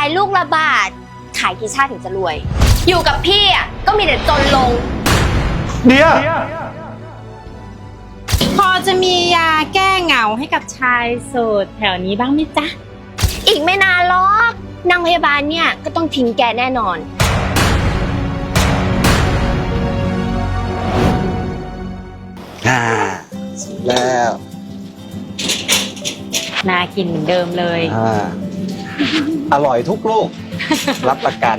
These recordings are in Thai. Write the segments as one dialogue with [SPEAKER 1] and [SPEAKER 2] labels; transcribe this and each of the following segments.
[SPEAKER 1] ลูกละบาทขายกี่ชาติถึงจะรวยอยู่กับพี่อ่ะก็มีแต่จนลง
[SPEAKER 2] เดีย
[SPEAKER 3] พอจะมียาแก้เหงาให้กับชายโสดแถวนี้บ้างไหมจ๊ะ
[SPEAKER 1] อีกไม่นานหรอกนางพยาบาลเนี่ยก็ต้องทิ้งแกแน่นอน
[SPEAKER 2] เสร็จแล้ว
[SPEAKER 3] น่ากินเหมือนเดิมเลย
[SPEAKER 2] อร่อยทุกลูก รับประกัน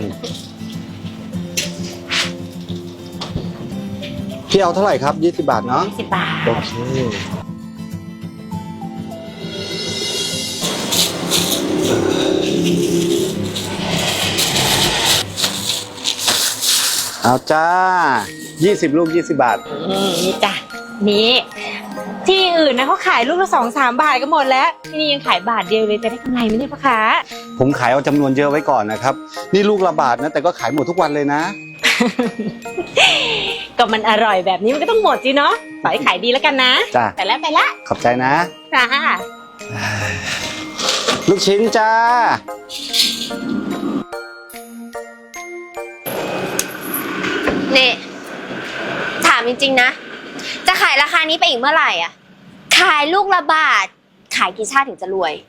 [SPEAKER 2] พี่เอาเท่าไหร่ครับ20 บาทเนาะ
[SPEAKER 3] 20 บาท
[SPEAKER 2] โอเคเอาจ้า20 ลูก20 บาท
[SPEAKER 3] นี่จ้ะนี่ที่อื่นนะเขาขายลูกละ2-3 บาทก็หมดแล้วที่นี่ยังขายบาทเดียวเลยจะได้กำไรไหมเนี่ยพ่อค้า
[SPEAKER 2] ผมขายเอาจำนวนเยอะไว้ก่อนนะครับนี่ลูกละบาทนะแต่ก็ขายหมดทุกวันเลยนะ
[SPEAKER 3] ก็มันอร่อยแบบนี้มันก็ต้องหมดสิเนาะขอให้ขายดีแล้วกันนะ
[SPEAKER 2] จ้า
[SPEAKER 3] ไปละ
[SPEAKER 2] ขอบใจนะ
[SPEAKER 3] จ้า
[SPEAKER 2] ลูกชิ้นจ้า
[SPEAKER 1] นี่ถามจริงๆนะจะขายราคานี้ไปอีกเมื่อไหร่อ่ะขายลูกละบาทขายกี่ชาติถึงจะรวย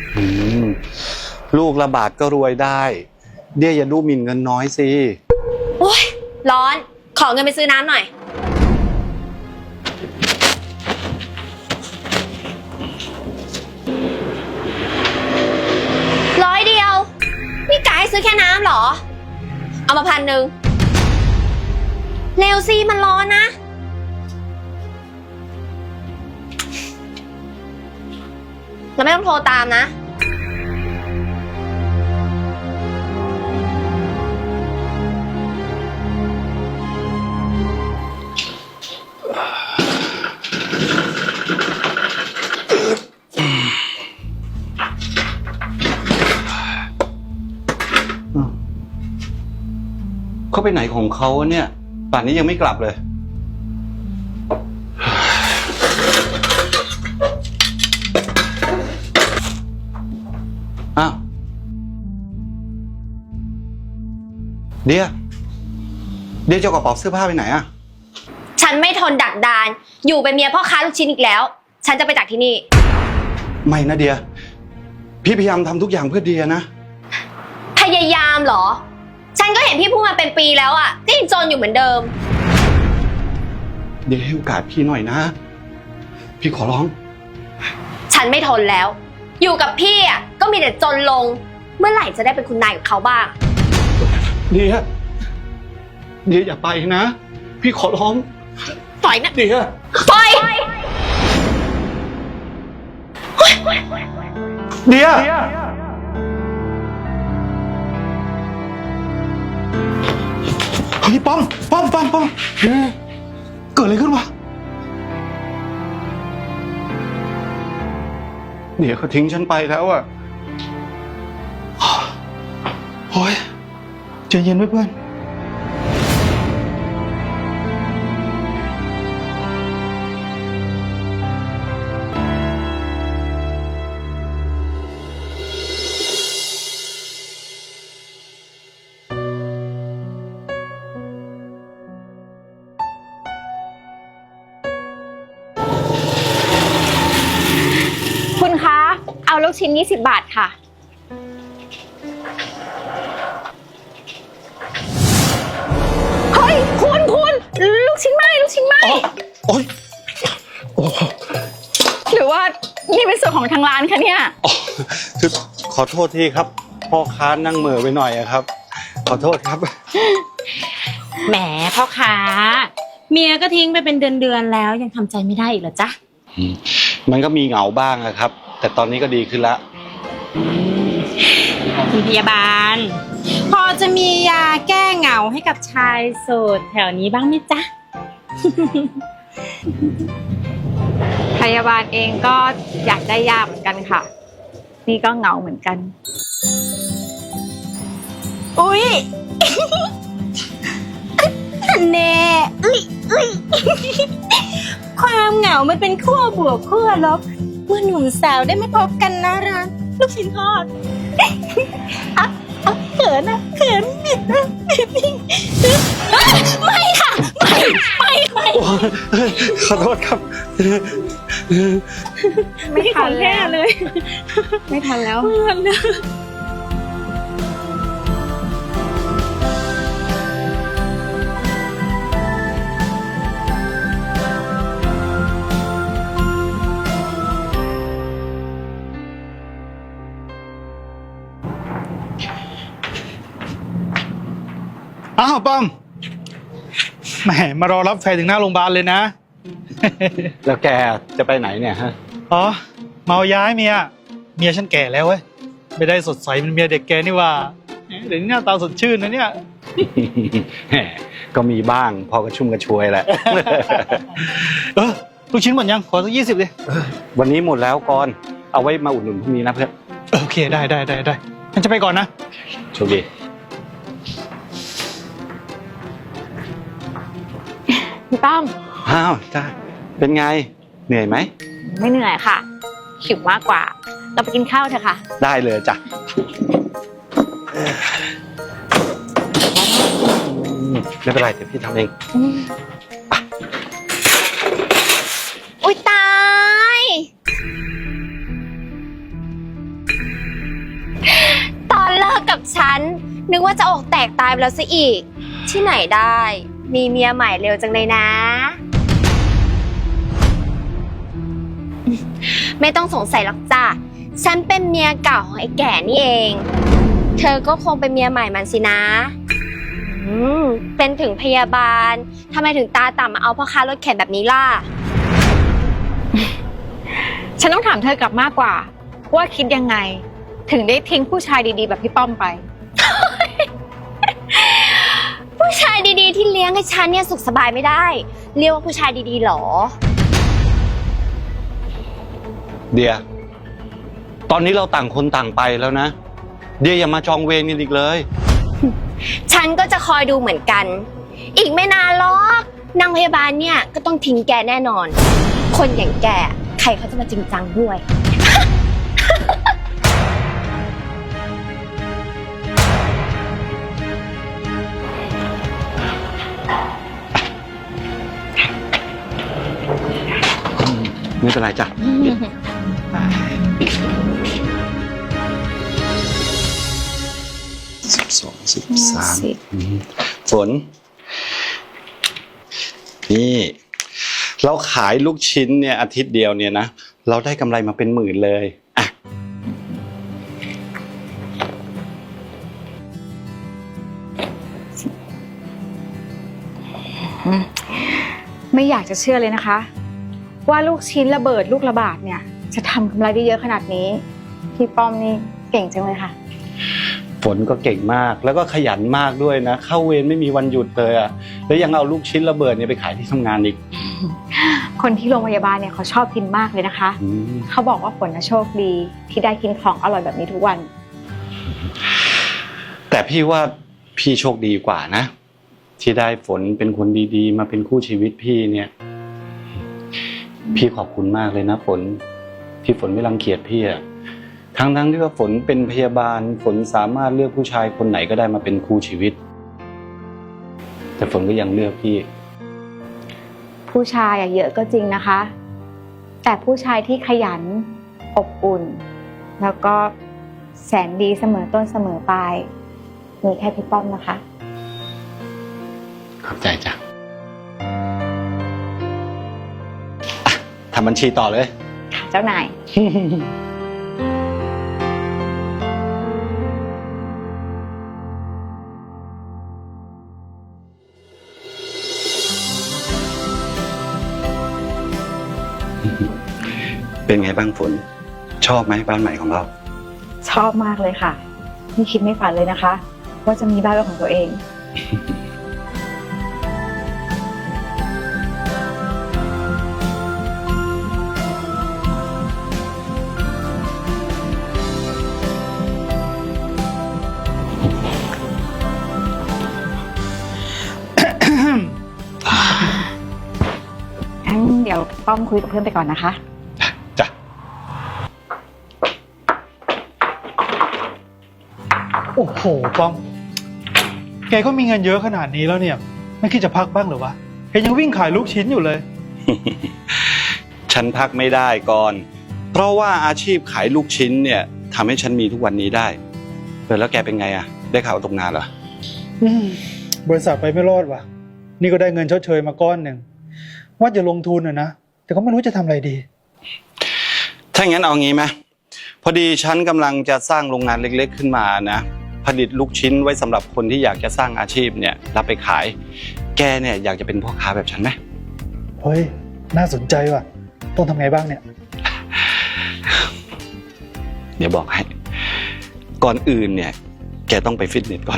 [SPEAKER 2] ลูกละบาทก็รวยได้เดี๋ยวอย่าดูหมิ่นเงินน้อยสิ
[SPEAKER 1] โอ๊ยร้อนขอเงินไปซื้อน้ำหน่อย100 เดียวนี่กะให้ซื้อแค่น้ำเหรอเอามา1,000เร็วสิมันร้อนนะแล้วไม่ต้องโทรตามนะ
[SPEAKER 2] เขาไปไหนของเขาเนี่ยป่านนี้ยังไม่กลับเลยอ้าวเดี๋ยวจะเอากระเป๋าเสื้อผ้าไปไหนอะ
[SPEAKER 1] ฉันไม่ทนดักดานอยู่เป็นเมียพ่อค้าลูกชิ้นอีกแล้วฉันจะไปจากที่นี่
[SPEAKER 2] ไม่นะเดียพี่พยายามทำทุกอย่างเพื่อเดียนะ
[SPEAKER 1] พยายามเหรอฉันก็เห็นพี่พูดมาเป็นปีแล้วอ่ะก็ยังจนอยู่เหมือนเดิม
[SPEAKER 2] เดี๋ยวให้โอกาสพี่หน่อยนะพี่ขอร้อง
[SPEAKER 1] ฉันไม่ทนแล้วอยู่กับพี่อ่ะก็มีแต่จนลงเมื่อไหร่จะได้เป็นคุณนายกับเขาบ้าง
[SPEAKER 2] เดียอย่าไปนะพี่ขอร้อง
[SPEAKER 1] ปล่อยนะ
[SPEAKER 2] เดีย
[SPEAKER 1] ปล่อย
[SPEAKER 2] เดียเฮ้ยป้อมเกิดอะไรขึ้นวะเดี๋ยวเขาทิ้งฉันไปแล้วอ่ะโอ้ยใจเย็นไว้เพื่อน
[SPEAKER 1] คุณคะเอาลูกชิ้น20 บาทค่ะเฮ้ยคุณลูกชิ้นไหม
[SPEAKER 2] โอ๊ย
[SPEAKER 1] หรือว่านี่เป็นส่วนของทางร้านคะเนี่ย
[SPEAKER 2] คือขอโทษทีครับพ่อค้านั่งเหม่อไปหน่อยครับขอโทษครับ
[SPEAKER 3] แหมพ่อค้าเมียก็ทิ้งไปเป็นเดือนแล้วยังทำใจไม่ได้อีกเหรอจ๊ะ
[SPEAKER 2] มันก็มีเหงาบ้างนะครับแต่ตอนนี้ก็ดีขึ้นแล้ว
[SPEAKER 3] คุณพยาบาลพอจะมียาแก้เหงาให้กับชายโสดแถวนี้บ้างไหมจ๊ะ
[SPEAKER 4] พยาบาลเองก็อยากได้ยาเหมือนกันค่ะนี่ก็เหงาเหมือนกัน
[SPEAKER 3] อุ๊ย แน่ความเหงามันเป็นขั้วบวกขั้วลบเมื่อหนุ่มสาวได้มาพบกันนะร้านลูกชิ้นทอดขินนะเขินบิดนะบิดนี่ไม่ค่ะไม่
[SPEAKER 2] โอ้ยขอโทษครับ
[SPEAKER 4] ไม่ทัน
[SPEAKER 3] แค่
[SPEAKER 4] แล้ว
[SPEAKER 3] เลย
[SPEAKER 4] ไม่ทันแล้ว
[SPEAKER 3] ไม่ทันแล้ว
[SPEAKER 5] อ้าวป้อมแหมมารอรับแฟนถึงหน้าโรงพยาบาลเลยนะ
[SPEAKER 2] แล้วแกจะไปไหนเนี่ยฮะ
[SPEAKER 5] อ๋อเมาย้ายเมียฉันแก่แล้วเว้ยไม่ได้สดใสเป็นเมียเด็กแกนี่ว่าเดี๋ยวนี้หน้าตาสดชื่นนะเนี่ย
[SPEAKER 2] แหมก็มีบ้างพอกระชุ่มกระชวยแหละ
[SPEAKER 5] ลูกชิ้นหมดยังขอสัก20ดิ
[SPEAKER 2] วันนี้หมดแล้วก่อนเอาไว้มาอุดหนุนพรุ่งนี้นะเพื่อน
[SPEAKER 5] โอเคได้งั้นจะไปก่อนนะ
[SPEAKER 2] โชคดี
[SPEAKER 4] พี่ป้อม
[SPEAKER 2] อ้าวจ้าเป็นไงเหนื่อยไหม
[SPEAKER 4] ไม่เหนื่อยค่ะหิวมากกว่า เราไปกินข้าวเถอะค่ะ
[SPEAKER 2] ได้เลยจ้ะไม่เป็นไรเดี๋ยวพี่ทำเอง
[SPEAKER 1] อุ๊ยตาย ตอนเลิกกับฉัน นึกว่าจะอกแตกตายไปแล้วซะอีก ที่ไหนได้ มีเมียใหม่เร็วจังเลยนะ ไม่ต้องสงสัยหรอกจ้ะ ฉันเป็นเมียเก่าของไอ้แก่นี่เอง เธอก็คงเป็นเมียใหม่มันสินะ เป็นถึงพยาบาลทำไมถึงตาต่ำมาเอาพ่อค้ารถเข็นแบบนี้ล่ะ
[SPEAKER 4] ฉันต้องถามเธอกลับมากกว่า ว่าคิดยังไง ถึงได้ทิ้งผู้ชายดีๆแบบพี่ป้อมไป
[SPEAKER 1] ผู้ชายดีๆที่เลี้ยงให้ฉันเนี่ยสุขสบายไม่ได้ เรียกว่าผู้ชายดีๆหรอ
[SPEAKER 2] เดียตอนนี้เราต่างคนต่างไปแล้วนะ เดียอย่ามาจองเวรกันอีกเลย
[SPEAKER 1] ฉันก็จะคอยดูเหมือนกัน อีกไม่นานหรอกนางพยาบาลเนี่ยก็ต้องทิ้งแกแน่นอน คนอย่างแกใครเขาจะมาจริงจังด้วย
[SPEAKER 2] ไม่เป็นไรจ้ะ12 13ฝน นี่ เราขายลูกชิ้นเนี่ยอาทิตย์เดียวเนี่ยนะ เราได้กำไรมาเป็นหมื่นเลยอ่ะ
[SPEAKER 4] ไม่อยากจะเชื่อเลยนะคะ ว่าลูกชิ้นระเบิดลูกระบาดเนี่ย จะทำกำไรได้เยอะขนาดนี้พี่ป้อมนี่เก่งจังเลยค่ะ
[SPEAKER 2] ฝนก็เก่งมากแล้วก็ขยันมากด้วยนะ เข้าเวรไม่มีวันหยุดเลยอ่ะแล้วยังเอาลูกชิ้นระเบิดเนี่ยไปขายที่ทำงานอีก
[SPEAKER 4] คนที่โรงพยาบาลเนี่ยเขาชอบกินมากเลยนะคะ เขาบอกว่าฝนน่ะโชคดีที่ได้กินของอร่อยแบบนี้ทุกวัน
[SPEAKER 2] แต่พี่ว่าพี่โชคดีกว่านะ ที่ได้ฝนเป็นคนดีๆ มาเป็นคู่ชีวิตพี่เนี่ย พี่ขอบคุณมากเลยนะฝนที่ฝนไม่รังเกียจพี่อะทั้งที่ว่าฝนเป็นพยาบาลฝนสามารถเลือกผู้ชายคนไหนก็ได้มาเป็นคู่ชีวิต แต่ฝนก็ยังเลือกพี่
[SPEAKER 4] ผู้ชายเยอะก็จริงนะคะ แต่ผู้ชายที่ขยันอบอุ่น แล้วก็แสนดีเสมอต้นเสมอปลายมีแค่พี่ป้อมนะคะ
[SPEAKER 2] ขอบใจจ้ะทำบัญชีต่อเลย
[SPEAKER 4] ค่ะเจ้านาย
[SPEAKER 2] เป็นไงบ้างฝน ชอบไหมบ้านใหม่ของเรา
[SPEAKER 4] ชอบมากเลยค่ะไม่คิดไม่ฝันเลยนะคะ ว่าจะมีบ้านเป็นของตัวเองงั้นเดี๋ยวป้อมคุยกับเพื่อนไปก่อนนะคะ
[SPEAKER 2] จ้ะ
[SPEAKER 5] โอ้โหป้อมแกก็มีเงินเยอะขนาดนี้แล้วเนี่ย ไม่คิดจะพักบ้างเหรอวะแกยังวิ่งขายลูกชิ้นอยู่เลย
[SPEAKER 2] ฉันพักไม่ได้ก่อน เพราะว่าอาชีพขายลูกชิ้นเนี่ยทำให้ฉันมีทุกวันนี้ได้แล้วแกเป็นไงอะได้ข่าวตกงานเหรอ
[SPEAKER 5] บริษัทไปไม่รอดว่ะ นี่ก็ได้เงินชดเชยมาก้อนหนึ่งว่าจะลงทุนนะแต่ก็ไม่รู้จะทำอะไรดี
[SPEAKER 2] ถ้างั้นเอางี้ไหมพอดีฉันกำลังจะสร้างโรงงานเล็กๆขึ้นมานะผลิตลูกชิ้นไว้สำหรับคนที่อยากจะสร้างอาชีพเนี่ยรับไปขายแกเนี่ยอยากจะเป็นพ่อค้าแบบฉันไหม
[SPEAKER 5] เฮ้ยน่าสนใจว่ะต้องทำไงบ้างเนี่ย
[SPEAKER 2] เดี๋ยวบอกให้ก่อนอื่นเนี่ยแกต้องไปฟิตเนสก่อน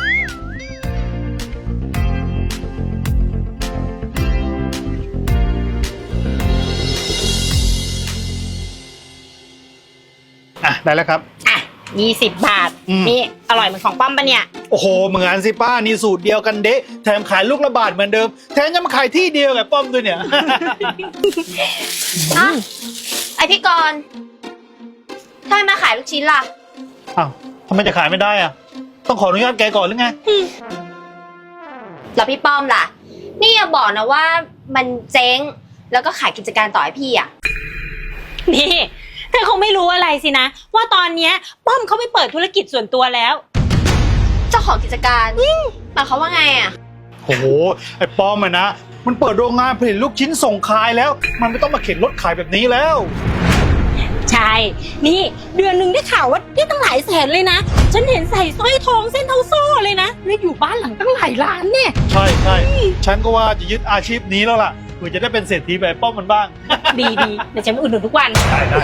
[SPEAKER 5] ได้แล้วครับ
[SPEAKER 3] อ่ะ20 บาท นี่อร่อยเหมือนของป้อมปะเนี่ย
[SPEAKER 5] โอ้โหเหมือนสิป้านี่สูตรเดียวกันเดะแถมขายลูกละบาทเหมือนเดิมแถมยังมาขายที่เดียวกับป้อมด้วยเนี่ย
[SPEAKER 1] อ่ะไอพี่กรณ์ทำไมมาขายลูกชิ้นล่ะ
[SPEAKER 5] อ้าวทำไมจะขายไม่ได้อะต้องขออนุญาตแกก่อนหรือไง
[SPEAKER 1] แล้วพี่ป้อมล่ะ นี่อย่าบอกนะว่ามันเจ๊งแล้วก็ขายกิจการต่อให้พี่อ่ะ
[SPEAKER 3] นี่เธอคงไม่รู้อะไรสินะ ว่าตอนเนี้ยป้อมเขาไปเปิดธุรกิจส่วนตัวแล้ว
[SPEAKER 1] เจ้าของกิจการหมายความว่าไงอ่ะ
[SPEAKER 5] โอ้โหไอ้ป้อมอะนะมันเปิดโรงงานผลิตลูกชิ้นส่งขายแล้ว มันไม่ต้องมาเข็นรถขายแบบนี้แล้ว
[SPEAKER 3] ใช่ นี่เดือนหนึ่งได้ข่าวว่าได้ตั้งหลายแสนเลยนะ ฉันเห็นใส่สร้อยทองเส้นเท่าโซ่เลยนะแล้วอยู่บ้านหลังตั้งหลายล้านเนี่ย
[SPEAKER 5] ใช่ใช่ฉันก็ว่าจะยึดอาชีพนี้แล้วล่ะเพื่อจะได้เป็นเศรษฐีแบบป้อมมันบ้าง
[SPEAKER 3] ดีเดี๋ยวฉันไปอุดหนุนทุกวัน
[SPEAKER 5] ได้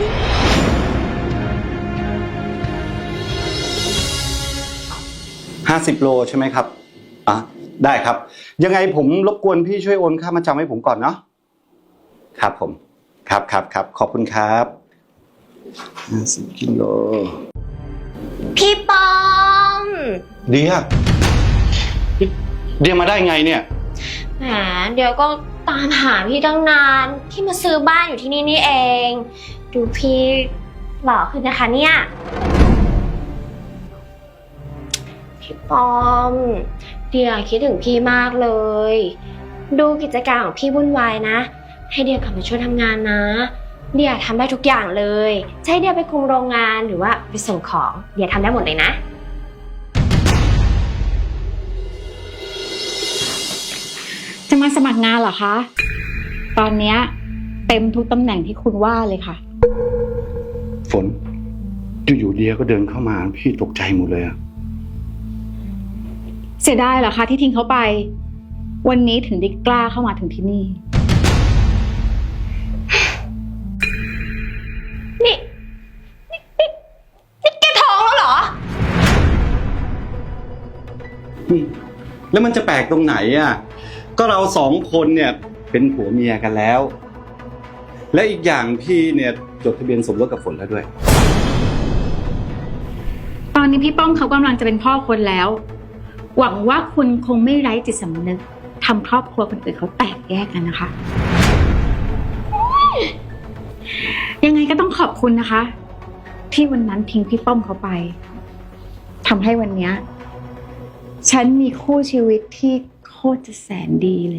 [SPEAKER 2] 50 โลใช่ไหมครับได้ครับยังไงผมรบกวนพี่ช่วยโอนค่ามาจำให้ผมก่อนเนาะครับผมครับขอบคุณครับ50 กิโล
[SPEAKER 1] พี่ป้อม
[SPEAKER 2] เดียมาได้ไงเนี่ย
[SPEAKER 1] แหมเดี๋ยวก็ตามหาพี่ตั้งนานที่มาซื้อบ้านอยู่ที่นี่นี่เอง ดูพี่หล่อขึ้นนะคะเนี่ยพี่ป้อมเดียคิดถึงพี่มากเลย ดูกิจการของพี่วุ่นวายนะ ให้เดียกลับมาช่วยทำงานนะ เดียทำได้ทุกอย่างเลยใช้เดียไปคุมโรงงานหรือว่าไปส่งของเดียทำได้หมดเลยนะ
[SPEAKER 4] จะมาสมัครงานเหรอคะ ตอนเนี้ยเต็มทุกตำแหน่งที่คุณว่าเลยค่ะ
[SPEAKER 2] ฝนอยู่ๆเดียก็เดินเข้ามาพี่ตกใจหมดเลยอะ
[SPEAKER 4] เสียดายเหรอคะที่ทิ้งเขาไป วันนี้ถึงได้กล้าเข้ามาถึงที่นี่
[SPEAKER 1] นี่แกท้องแล้วเหรอ
[SPEAKER 2] แล้วมันจะแปลกตรงไหนอ่ะก็เรา2 คนเนี่ยเป็นผัวเมียกันแล้ว และอีกอย่างพี่เนี่ยจดทะเบียนสมรสกับฝนแล้วด้วย
[SPEAKER 4] ตอนนี้พี่ป้อมเขากำลังจะเป็นพ่อคนแล้ว หวังว่าคุณคงไม่ไร้จิตสำนึกทำครอบครัวคนอื่นเขาแตกแยกกันนะคะ ยังไงก็ต้องขอบคุณนะคะ ที่วันนั้นทิ้งพี่ป้อมเขาไปทำให้วันเนี้ยฉันมีคู่ชีวิตที่โคตรจะแสนดีเลย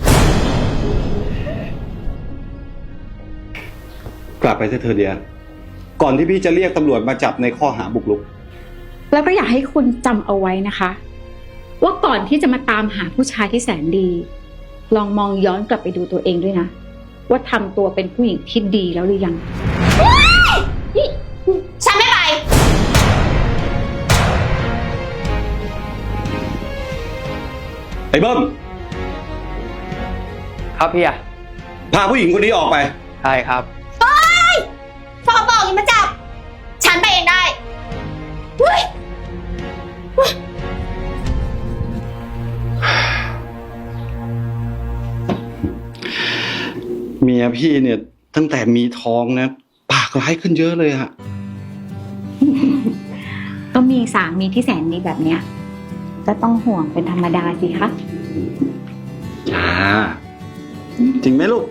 [SPEAKER 2] กลับไปเถอะเดียก่อนที่พี่จะเรียกตำรวจมาจับในข้อหาบุกรุก
[SPEAKER 4] แล้วก็อยากให้คุณจำเอาไว้นะคะ ว่าก่อนที่จะมาตามหาผู้ชายที่แสนดี ลองมองย้อนกลับไปดูตัวเองด้วยนะ ว่าทำตัวเป็นผู้หญิงที่ดีแล้วหรือยัง
[SPEAKER 1] ฉันไม่ไป
[SPEAKER 2] ไอ้เบิ้ม
[SPEAKER 6] ครับพี่อะ
[SPEAKER 2] พาผู้หญิงคนนี้ออกไป
[SPEAKER 6] ใช่ครับ
[SPEAKER 1] ฟองบอกอย่ามาจับ ฉันไปเองได้เฮ้ย
[SPEAKER 2] เมียพี่เนี่ยตั้งแต่มีท้องนะปากร้ายขึ้นเยอะเลยอะ
[SPEAKER 4] ก็มีสามีที่แสนดีแบบเนี้ยก็ต้องห่วงเป็นธรรมดาสิคะ
[SPEAKER 2] จ้าจริงไหมลูก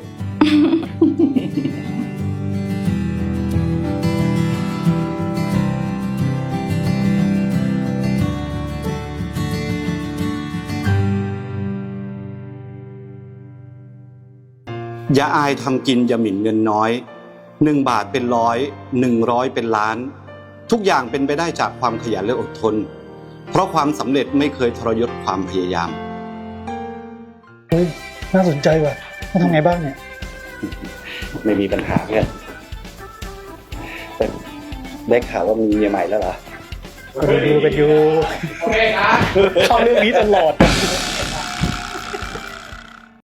[SPEAKER 2] อย่าอายทำกินอย่าหมิ่นเงินน้อย1 บาทเป็นร้อย100เป็นล้าน ทุกอย่างเป็นไปได้จากความขยันและอดทน เพราะความสำเร็จไม่เคยทรยศความพยายาม
[SPEAKER 5] เฮ้ยน่าสนใจว่ะต้องทำไงบ้างเนี่ย
[SPEAKER 2] ไม่มีปัญหาเพื่อนแต่ได้ข่าวว่ามีเมียใหม่แล้วเหรอ
[SPEAKER 5] ดูกันอยู่เข้าเรื่องนี้ตลอด